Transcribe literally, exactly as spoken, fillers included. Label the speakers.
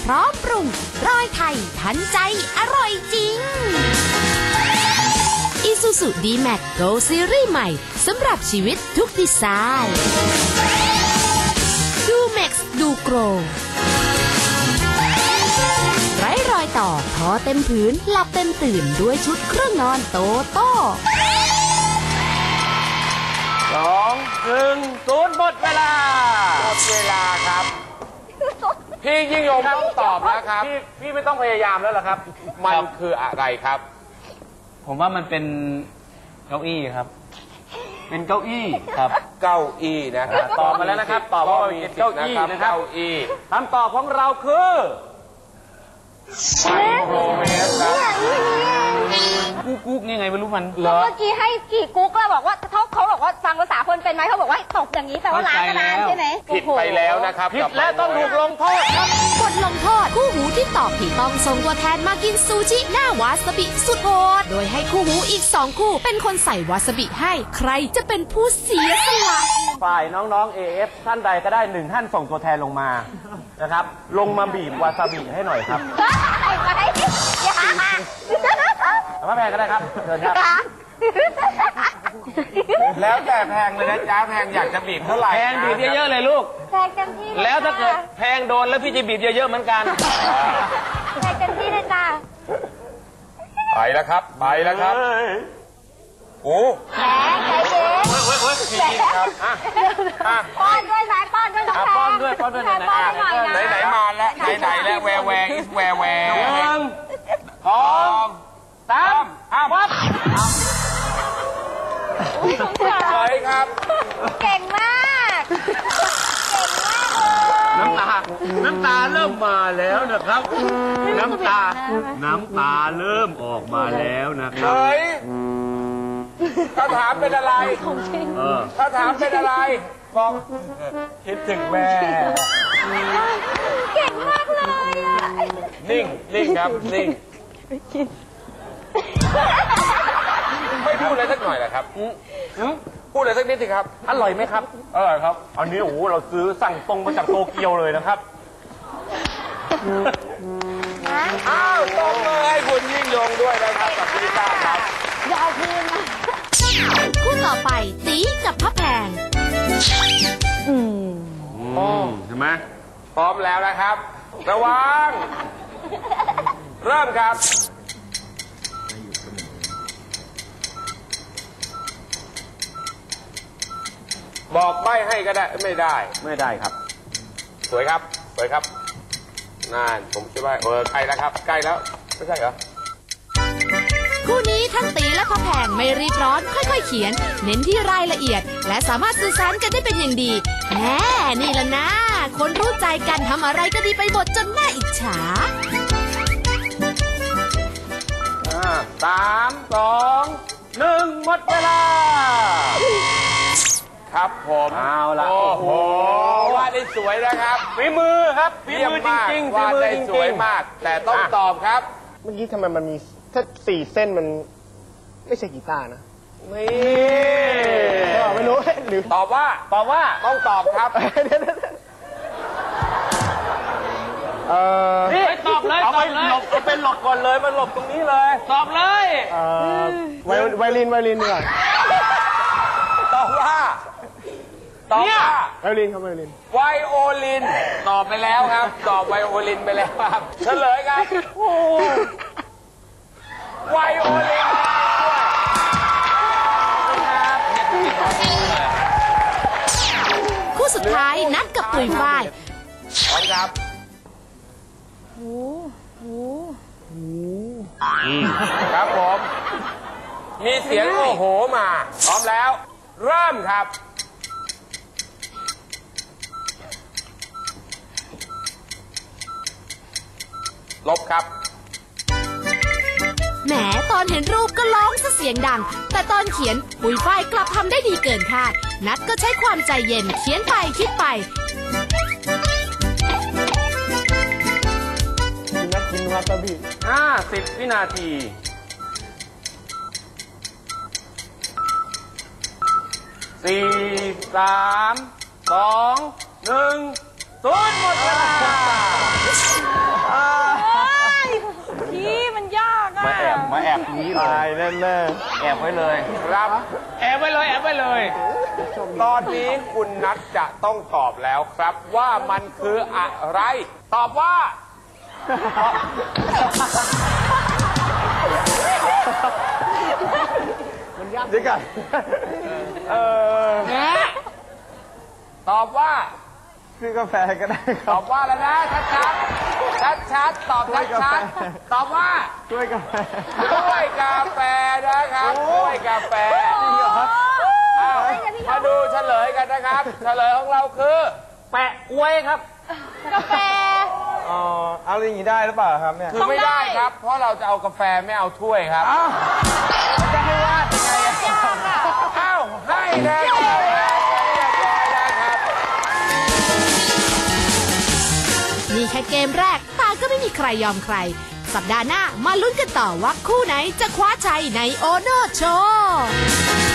Speaker 1: พร้อมปรุงร้อยไทยทันใจอร่อยจริง Isuzu ดี แม็กซ์ Go ซีรีส์ใหม่สำหรับชีวิตทุกดีไซน์ดู แม็กซ์ ดู โกรไร้รอยต่อทอเต็มผืนหลับเต็มตื่นด้วยชุดเครื่องนอนโตโต้
Speaker 2: สองหนึ่งศูนย์หมดเวลาหมดเวลาครับพี่ยิ่งยงต้องตอบแล้วครับพี่พี่ไม่ต้องพยายามแล้วเหรอครับมันคืออะไรครับ
Speaker 3: ผมว่ามันเป็นเก้าอี้ครับเป็นเก้าอี้ครับ
Speaker 2: เก้าอี้นะครับตอบมาแล้วนะครับตอบว่าเป็นเก้าอี้นะครับเก้าอี้คำตอบของเราคือไมโครเวฟครับ
Speaker 3: กุ๊กกุ๊กยังไงไม่รู้มัน
Speaker 4: เมื่อกี้ให้กี่กุ๊กแล้วบอกว่าเขาเขาบอกว่าฟังภาษาคนเป็นไหมเขาบอกว่าตกอย่างนี้แปลว่าล้างนานใช่ไหม
Speaker 2: ผิดไปแล้วนะครับผิดและต้องถูกลงโทษครับ
Speaker 1: บทลงโทษคู่หูที่ตอบผิดต้องส่งตัวแทนมากินซูชิหน้าวาซาบิสุดโหดโดยให้คู่หูอีกสองคู่เป็นคนใส่วาซาบิให้ใครจะเป็นผู้เสียสละ
Speaker 2: ฝ่ายน้องๆ เอ เอฟ ท่านใดก็ได้หนึ่งท่านส่งตัวแทนลงมานะครับลงมาบีบวาซาบิให้หน่อยครับพระแพงก็ได้ครับเชิญครับแล้วแต่แพงเลยนะจ้าแพงอยากจะบีบเท่าไหร่
Speaker 3: แพงบีบเยอะๆเลยลูก
Speaker 4: แพงเต็มที่
Speaker 3: แล้วถ้าเกิดแพงโดนแล้วพี่จะบีบเยอะๆเหมือนกัน
Speaker 4: แพงเต็มที่เลยจ้า
Speaker 2: ไปแล้วครับไปแล้วครับโอ้
Speaker 4: แหมใจเย็น
Speaker 2: เว้ยเว้ยจริงครับ
Speaker 4: ป้อนด้วยสายป้อนด้วยต้องแพง
Speaker 3: ป้อนด้วยป้อนด้วยไหน
Speaker 2: ไหนไหนมาแล้วไหนไหนแล้วแวร์แวร์อิสแวร์แวร์หนึ่งสองสามห้าปั๊บสวยครับ
Speaker 4: เก่งมากเก่งมากเลย
Speaker 3: น้ำตาน้ำตาเริ่มมาแล้วนะครับน้ำตาน้ำตาเริ่มออกมาแล้วนะครับ
Speaker 2: เฮ้ยถ้าถามเป็นอะไรถ้าถามเป็นอะไรบอกคิดถึงแม่
Speaker 4: เก่งมากเลยอ่ะ
Speaker 2: นิ่งนิ่งครับนิ่งไม่พูดอะไรสักหน่อยเหรอครับพูดอะไรสักนิดสิครับอร่อยไหมครับอร่อยครับอันนี้โอ้โหเราซื้อสั่งตรงมาจากโตเกียวเลยนะครับอ้าวตรงเลยคุณยิ่งยงด้วยนะครับกับพี่ต้าครับ
Speaker 4: ยาวคืนนะ
Speaker 1: คู่ต่อไปตีกับพระแพง
Speaker 2: อืมใช่ไหมพร้อมแล้วนะครับระวังเริ่มครับบอกใบ้ให้ก็ได้ไม่ได้ไม่ได้ครับสวยครับสวยครับนั่นผมคิดว่าเออใกล้แล้วครับใกล้แล้วไม่ใช่เหรอ
Speaker 1: คู่นี้ทั้งตีและพระแพงไม่รีบร้อนค่อยๆเขียนเน้นที่รายละเอียดและสามารถสื่อสารกันได้เป็นอย่างดีแหมนี่ละนะคนรู้ใจกันทำอะไรก็ดีไปหมดจนน่าอิจฉา
Speaker 2: สามสองหนึ่งหมดเวลาครับผมเอาละโอ้โหวาดได้สวยนะครับฝีมือครับฝีมือจริงๆวาดได้สวยมากแต่ต้องตอบครับ
Speaker 5: เมื่อกี้ทำไมมันมีถ้าสี่เส้นมันไม่ใช่กีตาร์นะ
Speaker 2: นี่
Speaker 5: ไม่รู้หรือ
Speaker 2: ตอบว่าตอบว่าต้องตอบครับ
Speaker 5: เออ
Speaker 3: นี่ตอบเลย
Speaker 2: เอาไปหลบเอาเป็นหลบก่อนเลยมันหลบตรงนี้เลย
Speaker 3: ตอบเลย
Speaker 5: เออไวไวลินไวลินดีกว่า
Speaker 2: ตอบว่าตอบว่า
Speaker 5: ไวลินครับไวลิน
Speaker 2: ไวโอลินตอบไปแล้วครับตอบไวโอลินไปแล้วครับเฉลยครับไวโอลิน
Speaker 1: คู่สุดท้ายนัดกับปุ๋ยฝ้าย
Speaker 2: พร้อมครับ
Speaker 4: โอ้โห
Speaker 2: ครับผมมีเสียงโอ้โหมาพร้อมแล้วเริ่มครับลบครับ
Speaker 1: แหมตอนเห็นรูปก็ร้องซะเสียงดังแต่ตอนเขียนปุ๋ยฝ้ายกลับทำได้ดีเกินคาดนัดก็ใช้ความใจเย็นเขียนไปคิดไป
Speaker 5: นัดกินวาซาบิ
Speaker 2: ห้าสิบวินาทีสี่สามสองหนึ่งศูนย์หมดเวลาบนี้เลย
Speaker 5: ตายแน่
Speaker 3: แอบไว้เลย
Speaker 2: ครับ
Speaker 3: แอบไว้เลยแอบไว้เลย
Speaker 2: ตอนนี้คุณนัทจะต้องตอบแล้วครับว่ามันคืออะไร ตอบว่า
Speaker 5: ๆมันยากจริงกันเออ
Speaker 2: ตอบว่า
Speaker 5: ซื้อกาแฟก็ได้ค
Speaker 2: ต
Speaker 5: รั
Speaker 2: อ
Speaker 5: บบ
Speaker 2: ว่าแล้วนะชัดชัดชัดชัดๆตอบชัดชัดๆตอบว่า
Speaker 5: ช่วยกาแฟ
Speaker 2: ด้วยกาแฟนะครับด้วยกาแฟอ้าวมาดูเฉลยกันนะครับ เฉลยของเราคือ
Speaker 3: แปะกล้วยครับ
Speaker 4: กาแฟ
Speaker 5: อ๋อเอาอย่างนี้ได้หรือเปล่าครับเนี่ย
Speaker 2: คือไม่ได้ครับ เพราะเราจะเอากาแฟไม่เอาถ้วยครับจะให้วาดยังไงอะอ้าวให้นะเรียบร้อยแล้วครับ
Speaker 1: นี่แค่เกมแรกต่างก็ไม่มีใครยอมใคร สัปดาห์หน้ามาลุ้นกันต่อว่าคู่ไหนจะคว้าชัยในโอโนโชว์